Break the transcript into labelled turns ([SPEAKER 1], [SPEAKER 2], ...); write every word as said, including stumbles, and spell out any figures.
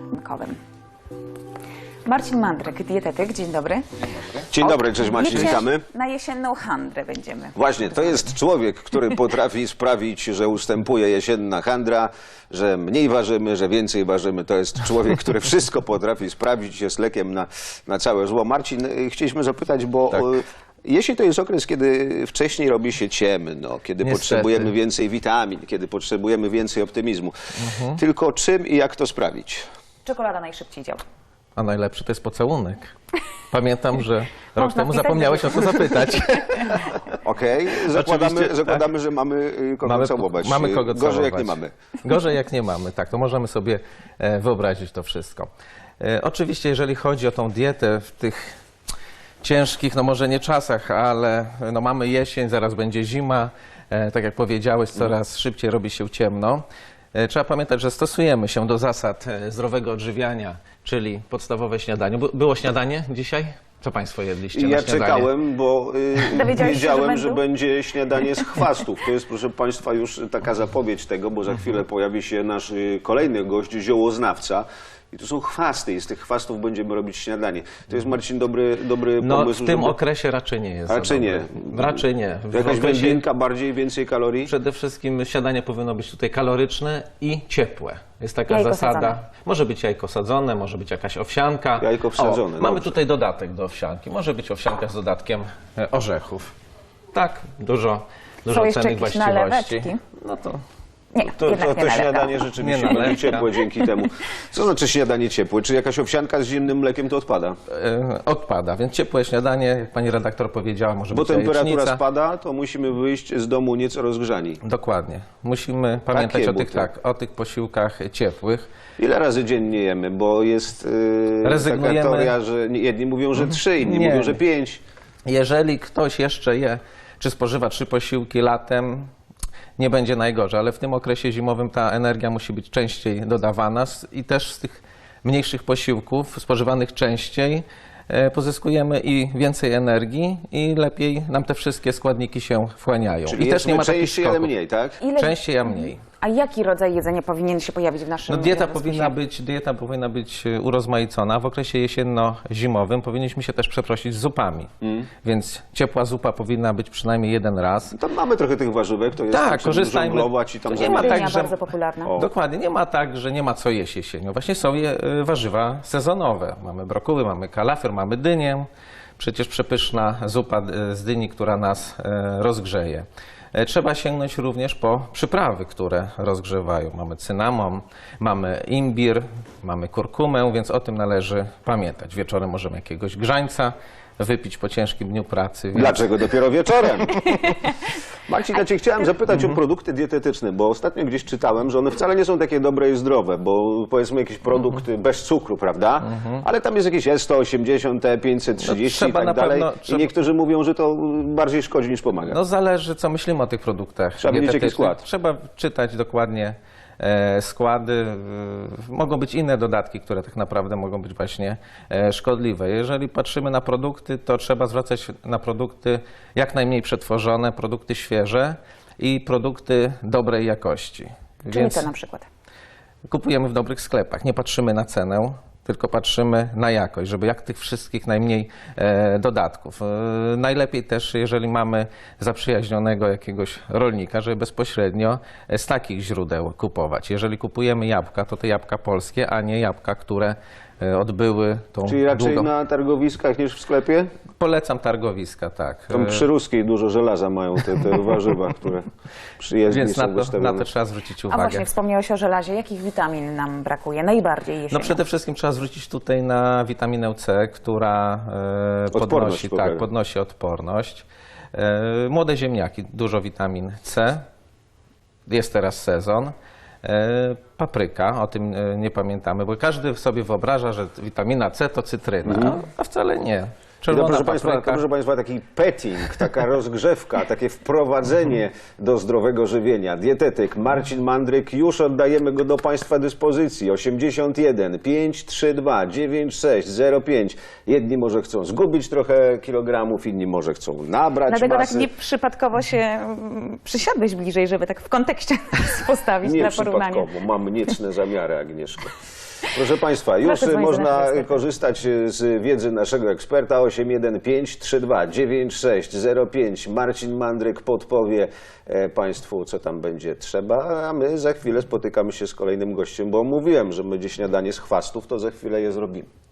[SPEAKER 1] Kowym. Marcin Mandryk, dietetyk. Dzień dobry.
[SPEAKER 2] Dzień dobry, cześć Marcin,
[SPEAKER 1] Diecie
[SPEAKER 2] witamy.
[SPEAKER 1] Na jesienną handrę będziemy.
[SPEAKER 2] Właśnie, to jest człowiek, który potrafi sprawić, że ustępuje jesienna handra, że mniej ważymy, że więcej ważymy. To jest człowiek, który wszystko potrafi sprawić, jest lekiem na, na całe zło. Marcin, chcieliśmy zapytać, bo...
[SPEAKER 3] Tak.
[SPEAKER 2] Jesień to jest okres, kiedy wcześniej robi się ciemno, kiedy
[SPEAKER 3] Niestety.
[SPEAKER 2] potrzebujemy więcej witamin, kiedy potrzebujemy więcej optymizmu.
[SPEAKER 3] Mhm.
[SPEAKER 2] Tylko czym i jak to sprawić?
[SPEAKER 1] Czekolada najszybciej działa.
[SPEAKER 3] A najlepszy to jest pocałunek. Pamiętam, że rok
[SPEAKER 1] Można
[SPEAKER 3] temu
[SPEAKER 1] wpisać
[SPEAKER 3] zapomniałeś o to zapytać.
[SPEAKER 2] Okej, zakładamy,
[SPEAKER 3] Oczywiście,
[SPEAKER 2] zakładamy
[SPEAKER 3] tak.
[SPEAKER 2] że mamy y, kogo
[SPEAKER 3] Mamy,
[SPEAKER 2] całować.
[SPEAKER 3] mamy kogo
[SPEAKER 2] Gorzej
[SPEAKER 3] całować.
[SPEAKER 2] jak nie mamy.
[SPEAKER 3] Gorzej jak nie mamy, tak. To możemy sobie e, wyobrazić to wszystko. E, oczywiście, jeżeli chodzi o tą dietę w tych ciężkich, no może nie czasach, ale no mamy jesień, zaraz będzie zima. E, tak jak powiedziałeś, coraz szybciej robi się ciemno. E, Trzeba pamiętać, że stosujemy się do zasad e, zdrowego odżywiania, czyli podstawowe śniadanie. By- Było śniadanie dzisiaj? Co Państwo jedliście na
[SPEAKER 2] Ja
[SPEAKER 3] śniadanie?
[SPEAKER 2] czekałem, bo y,
[SPEAKER 1] Dowiedziałeś się,
[SPEAKER 2] wiedziałem,
[SPEAKER 1] że
[SPEAKER 2] że
[SPEAKER 1] będą?
[SPEAKER 2] będzie śniadanie z chwastów. To jest, proszę Państwa, już taka zapowiedź tego, bo za chwilę pojawi się nasz y, kolejny gość, ziołoznawca. I to są chwasty i z tych chwastów będziemy robić śniadanie. To jest, Marcin, dobry, dobry
[SPEAKER 3] No
[SPEAKER 2] pomysł.
[SPEAKER 3] w tym
[SPEAKER 2] żeby...
[SPEAKER 3] okresie raczej nie jest.
[SPEAKER 2] Raczej
[SPEAKER 3] za
[SPEAKER 2] nie.
[SPEAKER 3] dobry. Raczej nie. W
[SPEAKER 2] Jakaś
[SPEAKER 3] okresie
[SPEAKER 2] wędlinka, bardziej, więcej kalorii?
[SPEAKER 3] przede wszystkim śniadanie powinno być tutaj kaloryczne i ciepłe. Jest taka
[SPEAKER 1] Jajko
[SPEAKER 3] zasada.
[SPEAKER 1] sadzone.
[SPEAKER 3] Może być jajko sadzone, może być jakaś owsianka.
[SPEAKER 2] Jajko wsadzone,
[SPEAKER 3] O, mamy
[SPEAKER 2] dobrze.
[SPEAKER 3] tutaj dodatek do owsianki. Może być owsianka z dodatkiem e, orzechów. Tak, dużo, dużo
[SPEAKER 1] jeszcze
[SPEAKER 3] cennych
[SPEAKER 1] jakieś
[SPEAKER 3] właściwości.
[SPEAKER 1] naleweczki?
[SPEAKER 3] No to
[SPEAKER 1] Nie,
[SPEAKER 2] To,
[SPEAKER 1] jednak
[SPEAKER 2] to,
[SPEAKER 1] nie
[SPEAKER 2] to
[SPEAKER 1] nalewka.
[SPEAKER 2] śniadanie rzeczywiście
[SPEAKER 3] Nie
[SPEAKER 2] będzie
[SPEAKER 3] nalewka.
[SPEAKER 2] ciepłe dzięki temu. Co znaczy śniadanie ciepłe? Czy jakaś owsianka z zimnym mlekiem to odpada?
[SPEAKER 3] e, odpada, więc ciepłe śniadanie, jak pani redaktor powiedziała, może
[SPEAKER 2] Bo
[SPEAKER 3] być
[SPEAKER 2] temperatura
[SPEAKER 3] jajecznica.
[SPEAKER 2] spada, to musimy wyjść z domu nieco rozgrzani.
[SPEAKER 3] Dokładnie. Musimy pamiętać
[SPEAKER 2] Takie
[SPEAKER 3] o tych,
[SPEAKER 2] buty.
[SPEAKER 3] tak, o tych posiłkach ciepłych.
[SPEAKER 2] Ile razy dziennie jemy? Bo jest yy, taka
[SPEAKER 3] Rezygnujemy.
[SPEAKER 2] teoria, że jedni mówią, że trzy, inni
[SPEAKER 3] Nie.
[SPEAKER 2] mówią, że pięć.
[SPEAKER 3] Jeżeli ktoś jeszcze je, czy spożywa trzy posiłki latem, nie będzie najgorzej, ale w tym okresie zimowym ta energia musi być częściej dodawana s- i też z tych mniejszych posiłków spożywanych częściej e, pozyskujemy i więcej energii i lepiej nam te wszystkie składniki się wchłaniają.
[SPEAKER 2] Czyli
[SPEAKER 3] I też nie ma takich
[SPEAKER 2] częściej, ale
[SPEAKER 3] skoków.
[SPEAKER 2] mniej, tak?
[SPEAKER 1] Ile...
[SPEAKER 3] Częściej, a mniej.
[SPEAKER 1] A jaki rodzaj jedzenia powinien się pojawić w naszym
[SPEAKER 3] No dieta
[SPEAKER 1] rozpisie?
[SPEAKER 3] powinna być, dieta powinna być e, urozmaicona. W okresie jesienno-zimowym powinniśmy się też przeprosić z zupami.
[SPEAKER 2] Mm.
[SPEAKER 3] Więc ciepła zupa powinna być przynajmniej jeden raz.
[SPEAKER 2] Tam mamy trochę tych warzywek, to jest
[SPEAKER 3] Tak,
[SPEAKER 2] tak,
[SPEAKER 3] korzystajmy.
[SPEAKER 2] żonglować i tam
[SPEAKER 3] To nie ma
[SPEAKER 2] zamieniać.
[SPEAKER 1] Dynia
[SPEAKER 3] tak, że-
[SPEAKER 1] bardzo popularna.
[SPEAKER 2] O.
[SPEAKER 3] Dokładnie, nie ma tak, że nie ma co jeść jesienią. Właśnie są je y, warzywa sezonowe. Mamy brokuły, mamy kalafior, mamy dynię. Przecież przepyszna zupa y, z dyni, która nas y, rozgrzeje. E, Trzeba sięgnąć również po przyprawy, które rozgrzewają. Mamy cynamon, mamy imbir, mamy kurkumę, więc o tym należy pamiętać. Wieczorem możemy jakiegoś grzańca wypić po ciężkim dniu pracy. Więc...
[SPEAKER 2] Dlaczego dopiero wieczorem? Marcin, ja Cię chciałem zapytać
[SPEAKER 3] Mhm.
[SPEAKER 2] o produkty dietetyczne, bo ostatnio gdzieś czytałem, że one wcale nie są takie dobre i zdrowe, bo powiedzmy jakiś produkt
[SPEAKER 3] Mhm.
[SPEAKER 2] bez cukru, prawda? Ale tam jest jakieś E sto osiemdziesiąt, E pięćset trzydzieści
[SPEAKER 3] No, trzeba
[SPEAKER 2] i
[SPEAKER 3] na
[SPEAKER 2] tak dalej.
[SPEAKER 3] pewno-
[SPEAKER 2] I
[SPEAKER 3] trzeba-
[SPEAKER 2] niektórzy mówią, że to bardziej szkodzi niż pomaga.
[SPEAKER 3] No zależy, co myślimy o tych produktach
[SPEAKER 2] Trzeba wiedzieć, jaki
[SPEAKER 3] dietetycznych.
[SPEAKER 2] skład.
[SPEAKER 3] Trzeba czytać dokładnie e, składy. E, mogą być inne dodatki, które tak naprawdę mogą być właśnie e, szkodliwe. Jeżeli patrzymy na produkty, to trzeba zwracać na produkty jak najmniej przetworzone, produkty świeże i produkty dobrej jakości.
[SPEAKER 1] Czyli
[SPEAKER 3] Więc
[SPEAKER 1] co na przykład?
[SPEAKER 3] kupujemy w dobrych sklepach, nie patrzymy na cenę, tylko patrzymy na jakość, żeby jak tych wszystkich najmniej e, dodatków. E, najlepiej też, jeżeli mamy zaprzyjaźnionego jakiegoś rolnika, żeby bezpośrednio z takich źródeł kupować. Jeżeli kupujemy jabłka, to te jabłka polskie, a nie jabłka, które e, odbyły tą
[SPEAKER 2] Czyli raczej
[SPEAKER 3] długą...
[SPEAKER 2] na targowiskach niż w sklepie?
[SPEAKER 3] Polecam targowiska, tak.
[SPEAKER 2] Tam
[SPEAKER 3] E,
[SPEAKER 2] przy Ruskiej dużo żelaza mają te, te warzywa, które przyjezdni
[SPEAKER 3] Więc
[SPEAKER 2] są
[SPEAKER 3] na to,
[SPEAKER 2] wystawione.
[SPEAKER 3] na to trzeba zwrócić
[SPEAKER 1] A
[SPEAKER 3] uwagę.
[SPEAKER 1] właśnie, wspomniałeś o żelazie. Jakich witamin nam brakuje najbardziej jesienią?
[SPEAKER 3] No przede wszystkim trzeba zwrócić tutaj na witaminę C, która e,
[SPEAKER 2] Odporność
[SPEAKER 3] podnosi,
[SPEAKER 2] poprawia.
[SPEAKER 3] tak, podnosi odporność. E, młode ziemniaki, dużo witamin C. Jest teraz sezon. E, papryka, o tym e, nie pamiętamy, bo każdy sobie wyobraża, że witamina C to cytryna, a wcale nie.
[SPEAKER 2] I to,
[SPEAKER 3] Czerwona
[SPEAKER 2] proszę Państwa, to,
[SPEAKER 3] papryka.
[SPEAKER 2] proszę Państwa, taki petting, taka rozgrzewka, takie wprowadzenie do zdrowego żywienia. Dietetyk Marcin Mandryk, już oddajemy go do Państwa dyspozycji. osiemdziesiąt jeden, pięć trzy dwa, dziewięć sześć zero pięć. Jedni może chcą zgubić trochę kilogramów, inni może chcą nabrać
[SPEAKER 1] Dlatego tak
[SPEAKER 2] masy.
[SPEAKER 1] nieprzypadkowo się mm, przysiadłeś bliżej, żeby tak w kontekście postawić
[SPEAKER 2] Nie
[SPEAKER 1] dla porównania.
[SPEAKER 2] przypadkowo, mam niecne zamiary, Agnieszko. Proszę Państwa, już
[SPEAKER 1] Proszę dzwonić do
[SPEAKER 2] można
[SPEAKER 1] naszego eksperta.
[SPEAKER 2] korzystać z wiedzy naszego eksperta. osiem jeden pięć trzy dwa dziewięć sześć zero pięć. Marcin Mandryk podpowie e, Państwu, co tam będzie trzeba, a my za chwilę spotykamy się z kolejnym gościem, bo mówiłem, że będzie śniadanie z chwastów, to za chwilę je zrobimy.